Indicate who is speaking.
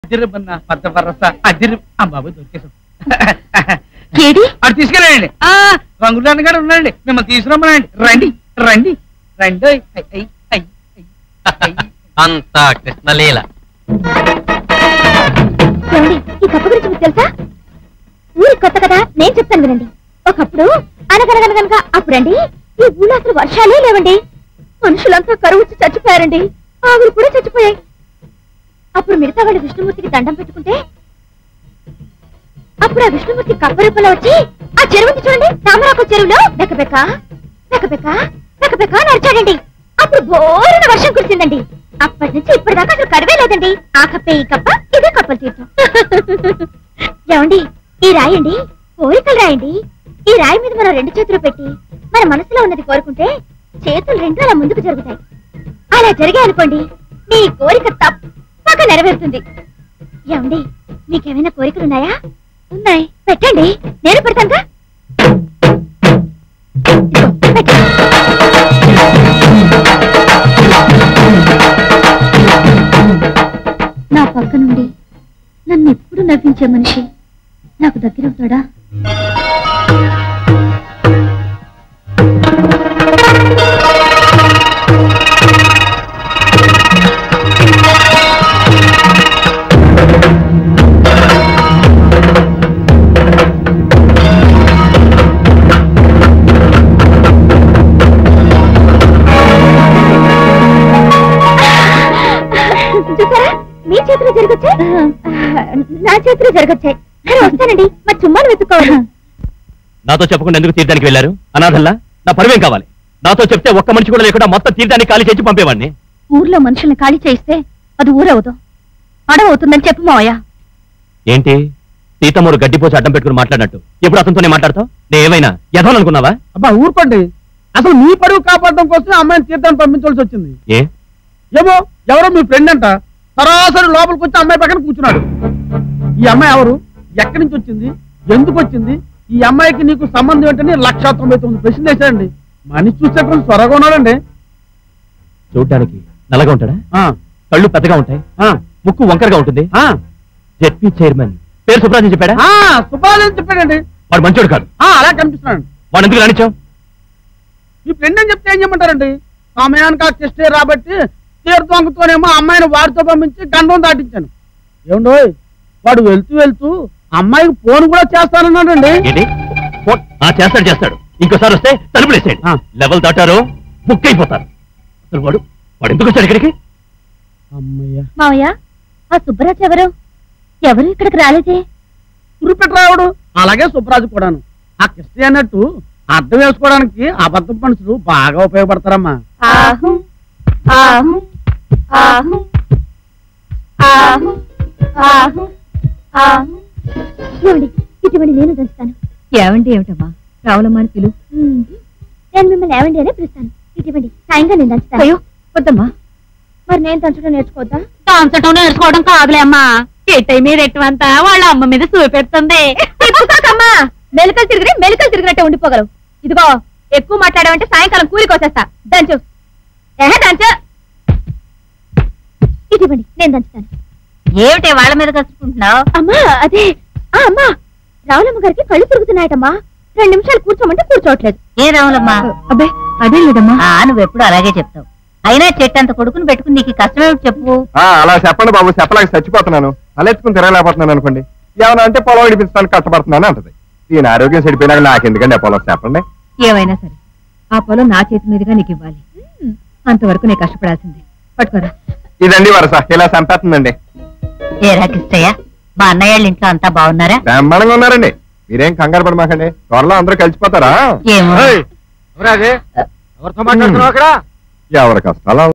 Speaker 1: అదిరిబన్నా పద్ద వరస అదిరి బాబు దొరికేసాం.
Speaker 2: అటు
Speaker 1: తీసుకెళ్ళండి. రంగులన్న గారు ఉన్నాయండి, మిమ్మల్ని తీసుకురమ్మనండి. రండి రండి రండి.
Speaker 3: అంతా కృష్ణలీల.
Speaker 2: ఈ కప్ప గురించి మీకు తెలుసా? ఊరి కొత్త కదా, నేను చెప్తాను వినండి. ఒకప్పుడు అనగనగనగనగా అప్పుడండి ఈ ఊళ్ళో అసలు వర్షాలే లేవండి. మనుషులంతా కరువు వచ్చి చచ్చిపోయారండి. ఆవులు కూడా చచ్చిపోయాయి. అప్పుడు మిగతా వాళ్ళు విష్ణుమూర్తికి దండం పెట్టుకుంటే అప్పుడు ఆ విష్ణుమూర్తి కప్ప రూపంలో వచ్చి ఆ చెరువు చూడండి, తామరాకు చెరువులో బెక్కబెక్క బెక్కబెక్క బెక్కబెక్క నడిచాడండి. అప్పుడు బోరున వర్షం కురిసిందండి. అప్పటి నుంచి ఇప్పటిదాకా అసలు కరువే లేదండి. ఆ కప్పే ఈ కప్ప, ఇదే కప్పలు తీర్థం. ఏమండి, ఈ రాయండి కోరికలు రాయండి. ఈ రాయి మీద మనం రెండు చేతులు పెట్టి మన మనసులో ఉన్నది కోరుకుంటే చేతులు రెండు అలా ముందుకు జరుగుతాయి. అలా జరిగాయి అనుకోండి, మీ కోరిక తప్పక నెరవేరుతుంది. ఏమండి, మీకేమైనా కోరికలున్నాయా? ఉన్నాయి, పెట్టండి, నేను పెడతానుగా. నా పక్క నుండి నన్ను ఎప్పుడు నవ్వించే మనిషి నాకు దగ్గరవుతాడా? చూసారా, మీ చేతిలో జరగొచ్చాయి, నా చేతిలో జరగొచ్చాయి. వస్తానండి, మా చుమ్మాలు వెతుక్కోవాలి.
Speaker 3: నాతో చెప్పకుండా ఎందుకు తీర్థానికి వెళ్ళారు? అనాథల్లా నా పరువేం కావాలి? నాతో చెప్తే ఒక్క మనిషి కూడా లేకుండా మొత్తం తీర్థానికి ఖాళీ చేసి పంపేవాడిని.
Speaker 2: ఊర్లో మనుషుల్ని ఖాళీ చేయిస్తే అది ఊరవదు, అడవవుతుందని చెప్పు మావయ్య.
Speaker 3: ఏంటి సీతమ్మూరు గడ్డిపోసి అడ్డం పెట్టుకుని మాట్లాడినట్టు ఎప్పుడు అతనితోనే మాట్లాడతావు? నేను ఏమైనా ఎదవాలనుకున్నావా?
Speaker 1: అబ్బా ఊరుకోండి, అసలు మీ పరువు కాపాడడం కోసం అమ్మాయిని తీర్థాన్ని పంపించవలసి వచ్చింది. ఏమో ఎవరో మీ ఫ్రెండ్ అంట, సరాసరి లోపలికి వచ్చి అమ్మాయి పక్కన కూర్చున్నాడు. ఈ అమ్మాయి ఎవరు, ఎక్కడి నుంచి వచ్చింది, ఎందుకు వచ్చింది, ఈ అమ్మాయికి నీకు సంబంధం ఏంటని 199 ప్రశ్నలు వేశాడండి. మనిషి చూస్తే కొంచెం త్వరగా ఉన్నాడండి.
Speaker 3: చూడ్డానికి నల్లగా ఉంటాడా? కళ్ళు పెద్దగా ఉంటాయి, ముక్కు వంకరగా ఉంటుంది. జెడ్పీ చైర్మన్ పేరు సుబ్రాజ్ చెప్పాడా?
Speaker 1: సుబ్రాజ్ అని చెప్పాడండి.
Speaker 3: వాడు మంచోడు కాదు.
Speaker 1: అలా కనిపిస్తున్నాడు.
Speaker 3: వాడు ఎందుకు రానిచ్చావు?
Speaker 1: మీ ఫ్రెండ్ అని చెప్తే ఏం చేయమంటారండి? సమయానికి ఆ టెస్టే రాబట్టి తీర్థంతోనేమో అమ్మాయిని వాడితో పంపించి గండం దాటించాను. ఏమండో వాడు వెళ్తూ వెళ్తూ అమ్మాయికి ఫోన్ కూడా చేస్తానన్నాడండి.
Speaker 3: చేస్తాడు చేస్తాడు. ఇంకోసారి వస్తే తలుపులేసాడు. లెవెల్ దాటారు బుక్ అయిపోతారు. అసలు వాడు వాడు ఎందుకు వచ్చాడు ఇక్కడికి?
Speaker 2: మావయ్య, ఆ సుబ్బరాజు ఎవరు? ఎవరు ఇక్కడికి రాలేదే?
Speaker 1: సురిపెట్టరావుడు, అలాగే సుబ్బరాజు కూడాను. ఆ కృష్ణ అన్నట్టు అర్థం వేసుకోవడానికి అబద్ధం మనుషులు బాగా ఉపయోగపడతారమ్మా.
Speaker 2: ఇటువంటి నేను దంచుతాను.
Speaker 4: ఏవండి ఏమిటమ్మా? రావులమ్మా అని పిలు.
Speaker 2: నేను మిమ్మల్ని ఏవండి అనే పిలుస్తాను. ఇటువంటి సాయంగా నేను దంచుతాను.
Speaker 4: అయ్యో వద్దమ్మా.
Speaker 2: మరి నేను దంచడం నేర్చుకోవద్దా?
Speaker 4: దంచడం నేర్చుకోవడం కాదులే అమ్మా, ఎట్టై మీద ఎట్టంతా వాళ్ళ అమ్మ మీద చూపెడుతుంది.
Speaker 2: మెలికలు తిరిగినట్టే ఉండిపోగలవు. ఇదిగో ఎక్కువ మాట్లాడావంటే సాయంకాలం కూలికొచ్చేస్తా. దంచు, దంచు. ఇటువంటి నేను దంచుతాను.
Speaker 4: ఏమిటి వాళ్ళ మీద కలుసుకుంటున్నావు?
Speaker 2: అమ్మా అదే అమ్మా, రావులమ్మ గారికి కళ్ళు తిరుగుతున్నాయటమ్మా. 2 నిమిషాలు కూర్చోమంటే కూర్చోవట్లేదు.
Speaker 4: ఏ రావులమ్మా?
Speaker 2: అబ్బే అదే లేదమ్మా.
Speaker 4: నువ్వెప్పుడు అలాగే చెప్తావు. అయినా చెట్టంత కొడుకుని పెట్టుకుని నీకు కష్టమేమిటి చెప్పు.
Speaker 5: అలా చెప్పండి బాబు, చెప్పలేక చచ్చిపోతున్నాను. అలెత్తుకుని తిరగలేకపోతున్నాను అనుకోండి. ఏమన్నా అంటే పొలం విడిపించడానికి కష్టపడుతున్నాను అంటది. దీని ఆరోగ్యం చెడిపోయినాక నాకెందుకండి ఆ పొలం? చెప్పండి.
Speaker 4: ఏమైనా సరే ఆ పొలం నా చేతి మీదుగా నీకు ఇవ్వాలి. అంతవరకు నేను కష్టపడాల్సిందే. పట్టుకోరా.
Speaker 5: ఇదండి వరస, ఇలా చంపేస్తుందండి.
Speaker 4: ఏరా కిష్టయ్య, మా అన్నయ్య వాళ్ళ ఇంట్లో అంతా బాగున్నారా?
Speaker 5: బ్రహ్మాండంగా ఉన్నారండి. మీరేం కంగారు పడమాకండి, త్వరలో అందరూ కలిసిపోతారా?
Speaker 4: ఏమో
Speaker 5: ఎవరి కష్టాలు